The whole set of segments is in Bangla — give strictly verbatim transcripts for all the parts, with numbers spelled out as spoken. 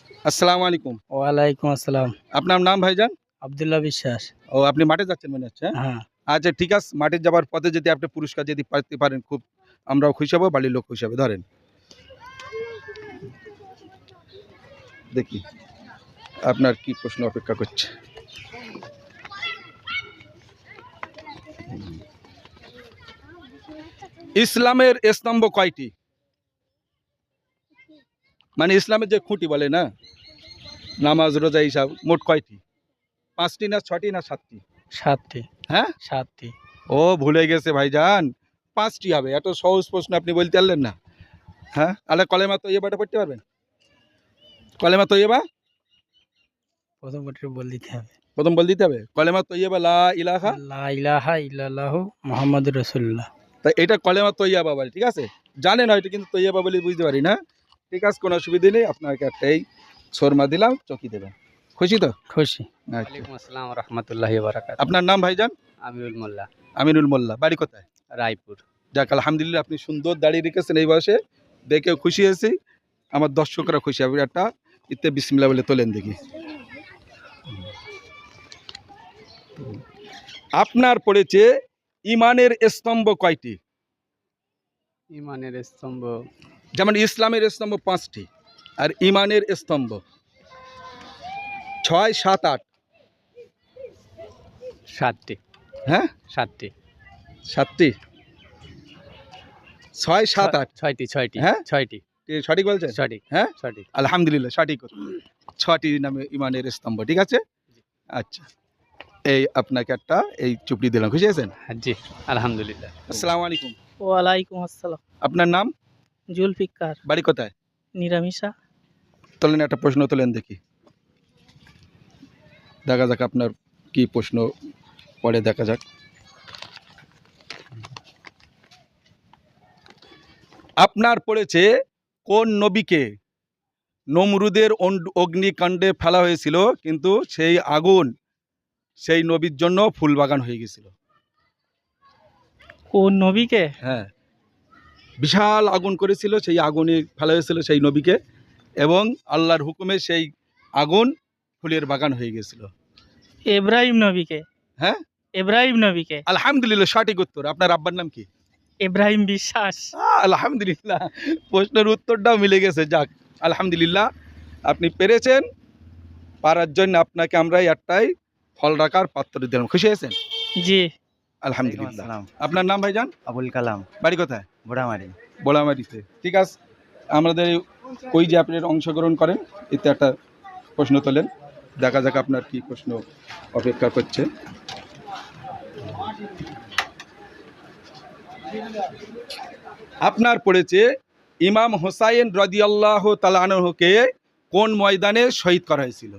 আসসালামু আলাইকুম। ওয়ালাইকুম আসসালাম। আপনার নাম ভাইজান? আব্দুল্লাহ বিশ্বাস। ও আপনি মাঠে যাচ্ছেন মনে হচ্ছে? হ্যাঁ। আচ্ছা ঠিক আছে, মাঠে যাবার পথে যদি আপনি পুরস্কার যদি পাইতে পারেন খুব আমরাও খুশি হব, বাড়ির লোক খুশি হবে। ধরেন দেখি আপনার কি প্রশ্ন অপেক্ষা করছে। ইসলামের স্তম্ভ কয়টি? মানে ইসলামের যে খুঁটি বলে না, নামাজ রোজা হিসাব, মোট কয়টি? পাঁচটি না ছটি না সাতটি? সাতটি। হ্যাঁ সাতটি। ও ভুলে গেছে ভাইজান, পাঁচটি হবে। এত সহজ প্রশ্ন আপনি বলতে পারলেন না। হ্যাঁ আলে কলেমা তৈয়বাটা পড়তে পারবেন? কলেমা তৈয়বা প্রথম বটে বল দিতে হবে। প্রথম বল দিতে হবে কলেমা তৈয়বা লা ইলাহা লা ইলাহা ইল্লাল্লাহু মুহাম্মাদুর রাসূলুল্লাহ। তাই এটা কলেমা তৈয়বা বলে, ঠিক আছে? জানেন হয়তো, কিন্তু তৈয়বা বলে বুঝতে পারি না। ঠিক আছে, কোনো অসুবিধা নেই। আপনাকে একটাই শর্মা দিলাম, চকি দেবেন। খুশি তো? খুশি। আচ্ছা। ওয়ালাইকুম আসসালাম ওয়া রাহমাতুল্লাহি ওয়া বারাকাতুহু। আপনার নাম ভাইজান? আমিরুল মোল্লা। আমিনুল মোল্লা। বাড়ি কোথায়? রায়পুর। যাক আলহামদুলিল্লাহ, আপনি সুন্দর দাঁড়িয়ে রেখেছেন এই বয়সে, দেখেও খুশি হয়েছি, আমার দর্শকরা খুশি হবে। একটা ইতে বিসমিল্লাহ বলে তোলেন দেখি। আপনার পড়েছে ইমানের স্তম্ভ কয়টি? ইমানের স্তম্ভ যেমন ইসলামের স্তম্ভ পাঁচটি, আর ইমানের স্তম্ভ ছয় সাত আট। সাতটি। হ্যাঁ সাতটি। সাতটি, ছয় সাত আট। ছয়টি। ছয়টি। হ্যাঁ ছয়টি। কি সঠিক বলছেন? সঠিক। হ্যাঁ সঠিক। আলহামদুলিল্লাহ সঠিক। ছটি নামে ইমানের স্তম্ভ, ঠিক আছে? আচ্ছা, এই আপনাকে একটা এই চুপড়ি দিলাম, খুশি আছেন? জি আলহামদুলিল্লাহ। আসসালামু আলাইকুম। ওয়ালাইকুম আসসালাম। আপনার নাম? জুলফিকার। বাড়ি কোথায়? নিরামিষা। তোলেন একটা প্রশ্ন তোলেন দেখি, দেখা যাক আপনার কি প্রশ্ন পরে, দেখা যাক। আপনার পড়েছে কোন নবীকে নমরুদের অগ্নিকাণ্ডে ফেলা হয়েছিল, কিন্তু সেই আগুন সেই নবীর জন্য ফুল বাগান হয়ে গেছিল? কোন নবীকে? হ্যাঁ, বিশাল আগুন করেছিল, সেই আগুনে ফেলা হয়েছিল সেই নবীকে, এবং আল্লাহর হুকুমে সেই আগুন ফুলের বাগান হয়ে গেছিল। ইব্রাহিম নবীকে। হ্যাঁ ইব্রাহিম নবীকে। আলহামদুলিল্লাহ সঠিক উত্তর। আপনার আব্বার নাম কি? ইব্রাহিম বিশ্বাস। আহ, আলহামদুলিল্লাহ, প্রশ্নের উত্তরটাও মিলে গেছে। যাক আলহামদুলিল্লাহ, আপনি পেরেছেন। পারার জন্য আপনাকে আমরা একটাই ফল রাখার পাত্র দিলাম, খুশি হয়েছেন? জি আলহামদুলিল্লাহ। আপনার নাম ভাইজান? আবুল কালাম। বাড়ি কোথায়? বোড়ামারি। বোলামারিতে। ঠিক আছে, আমাদের ওই যে আপনি অংশগ্রহণ করেন, এতে একটা প্রশ্ন তোলেন, দেখা যাক আপনার কি প্রশ্ন অপেক্ষা করছে। আপনার পড়েছে ইমাম হোসাইন রাদিয়াল্লাহু তাআলা আনহুকে কোন ময়দানে শহীদ করা হয়েছিল?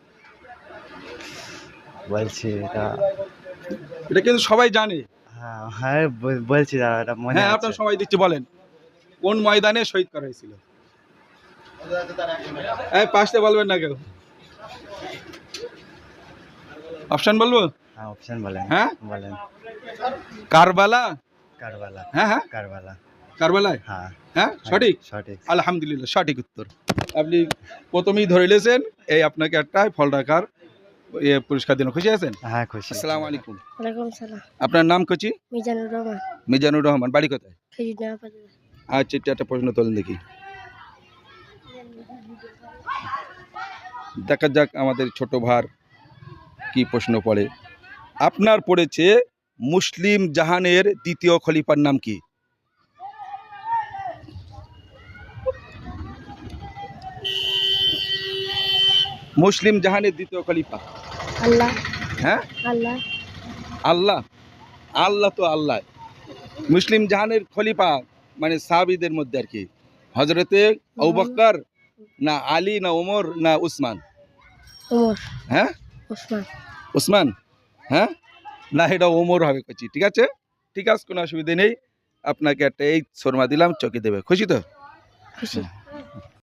বলছি এটা এটা কিন্তু সবাই জানে। হ্যাঁ হ্যাঁ বলছি দাদা, এটা মনে হ্যাঁ আছে। আপনার সময় দিচ্ছি, বলেন কোন ময়দানে শহীদ করা হয়েছিল? এই পাশে বলবেন না কেউ, অপশন বলবো? হ্যাঁ অপশন বলেন। হ্যাঁ বলেন। কারবালা। কারবালা। হ্যাঁ হ্যাঁ কারবালা। কারবালায়। হ্যাঁ হ্যাঁ সঠিক। সঠিক। আলহামদুলিল্লাহ সঠিক উত্তর। আপনি প্রথমেই ধরে নিয়েছেন, এই আপনাকে একটা ফল রাখার ইয়ে পুরস্কার দিন, খুশি আছেন? হ্যাঁ খুশি। আসসালামু আলাইকুম। ওয়ালাইকুম সালাম। আপনার নাম কচি? মিজানুর রহমান। মিজানুর রহমান। বাড়ি কোথায়? খেজুরডাঙ্গা বাজার। আচ্ছা, এটা একটা প্রশ্ন তোলেন দেখি, দেখা যাক আমাদের ছোট ভার কি প্রশ্ন পড়ে। আপনার পড়েছে মুসলিম জাহানের দ্বিতীয় খলিফার নাম কি? মুসলিম জাহানের দ্বিতীয় খলিফা? আল্লাহ। হ্যাঁ আল্লাহ। আল্লাহ। আল্লাহ তো আল্লাহ। মুসলিম জাহানের খলিফা মানে সাহাবীদের মধ্যে আর কি, হজরতে আবু বকর না আলী না ওমর না উসমান? ওমর। হ্যাঁ ওসমান। উসমান। হ্যাঁ না, এটা ওমর হবে কচি। ঠিক আছে, ঠিক আছে, কোনো অসুবিধা নেই। আপনাকে একটা এই শর্মা দিলাম, চকি দেবে, খুশি তো? খুশি।